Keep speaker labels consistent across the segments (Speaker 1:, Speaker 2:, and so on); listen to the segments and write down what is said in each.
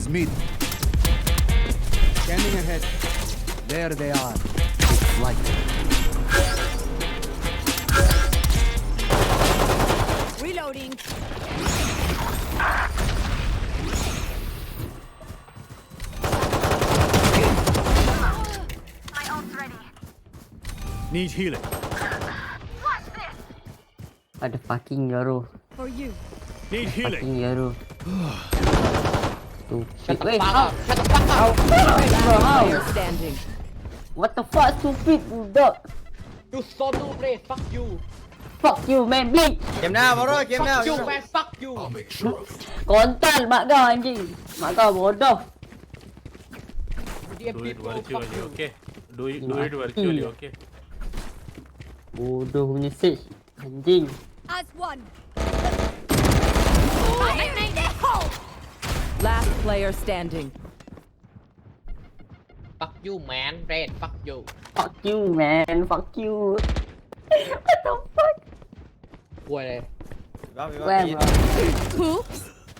Speaker 1: Mid. Scanning ahead. There they are. It's like
Speaker 2: Reloading.
Speaker 3: My ult's ready.
Speaker 1: need healing.
Speaker 3: Watch this.
Speaker 4: Ada fucking Yoru.
Speaker 2: For you.
Speaker 1: Need healing.
Speaker 4: Fucking Yoru.
Speaker 5: Shut
Speaker 4: Stupid.
Speaker 5: the
Speaker 4: Wait,
Speaker 5: fuck
Speaker 4: how?
Speaker 5: up. Shut the fuck up.
Speaker 4: Bro, how?
Speaker 2: Player standing.
Speaker 4: What the fuck, stupid dog?
Speaker 5: You so stupid. Fuck you.
Speaker 4: Fuck you, man, blink.
Speaker 6: เกมหน้ามาด้วยเกมหน้า
Speaker 5: Fuck you man. Fuck you.
Speaker 4: Kontan mak kau anjing. Mak kau bodoh.
Speaker 5: Dear
Speaker 7: Do it
Speaker 5: people. Fuck
Speaker 7: virtually,
Speaker 5: you.
Speaker 7: okay? Do it virtually, okay?
Speaker 4: Bodoh punya sage. Anjing.
Speaker 2: As one. Last player standing.
Speaker 5: Fuck you man. Red. Fuck you.
Speaker 4: Fuck you, man. Fuck you. What the fuck?
Speaker 5: กลัวเลย
Speaker 4: Where, bro?
Speaker 2: Oops.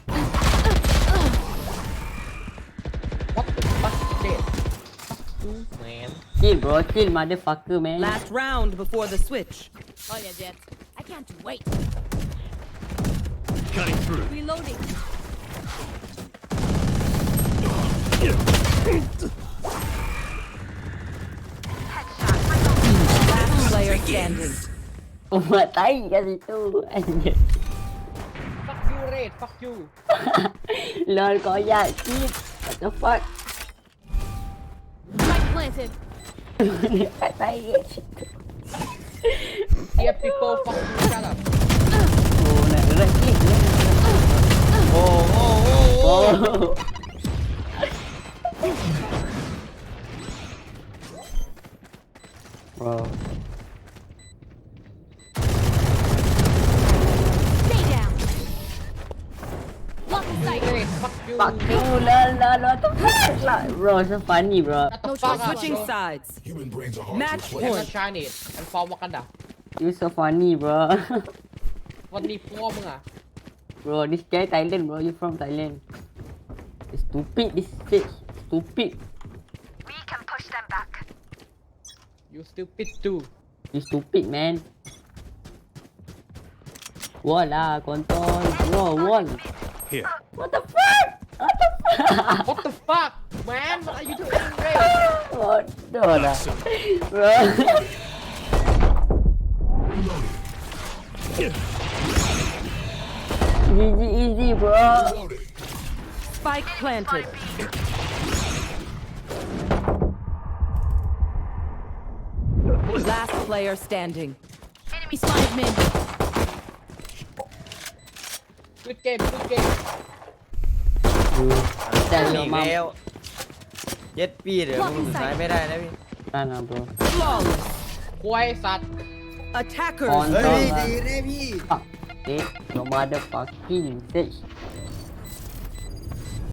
Speaker 5: What the fuck shit. Fuck you man.
Speaker 4: Chill, bro. Chill, motherfucker, man.
Speaker 2: Last round before the switch. Oh yeah, Jet. I can't wait.
Speaker 1: Cutting through.
Speaker 2: Reloading. Last player standing.
Speaker 4: Umat tai kat situ. Anjing.
Speaker 5: Fuck you Red. Fuck you.
Speaker 4: Lol, koyak. Chill. What the fuck?
Speaker 2: Spike planted.
Speaker 4: Umat tai kat situ.
Speaker 5: Dear people. Fuck you. Shut up.
Speaker 4: Oh, nak gerak chill.
Speaker 6: โอ้โอ้โอ้โอ้
Speaker 4: Oh. Bro.
Speaker 2: Stay down. Lock in sight.
Speaker 5: Red. Fuck you.
Speaker 4: Fuck you, lol, what the fuck? Like, bro, so funny, bro.
Speaker 5: Shut the
Speaker 2: No
Speaker 5: fuck up,
Speaker 2: switching
Speaker 5: bro.
Speaker 2: sides.
Speaker 8: Human brains are hard
Speaker 2: Match
Speaker 8: to
Speaker 5: I'm
Speaker 8: replace.
Speaker 5: not Chinese. I'm from Wakanda.
Speaker 4: You so funny, bro.
Speaker 5: วันนี้พ่อมึงอ่ะ
Speaker 4: Bro, this guy Thailand, bro. You from Thailand? Stupid, this shit. Stupid.
Speaker 3: We can push them back.
Speaker 5: You stupid too.
Speaker 4: You stupid, man. Wall lah, control. Bro, wall.
Speaker 1: Here.
Speaker 4: What the fuck? What the fuck?
Speaker 5: What the fuck man? What are you doing Red?
Speaker 4: Bodoh lah. Bro. GG easy, bro.
Speaker 8: Reloading.
Speaker 2: Spike planted. Last player standing. Enemy spotted mid.
Speaker 5: Good game. Good game.
Speaker 4: แต่
Speaker 6: อี
Speaker 4: เรา
Speaker 6: ก
Speaker 4: มา
Speaker 6: แล้วเย็ดปีเดี๋ยวมึงสุดท้ายไม่ได้นะพี่
Speaker 4: ได้นะ bro.
Speaker 2: Flawless.
Speaker 5: ควายสัตว์
Speaker 2: Attackers.
Speaker 4: คอน
Speaker 6: เฮ้
Speaker 4: โทร
Speaker 6: ย
Speaker 4: ล
Speaker 6: ดีนะพี่
Speaker 4: Fuck. Okay, no motherfucking bitch.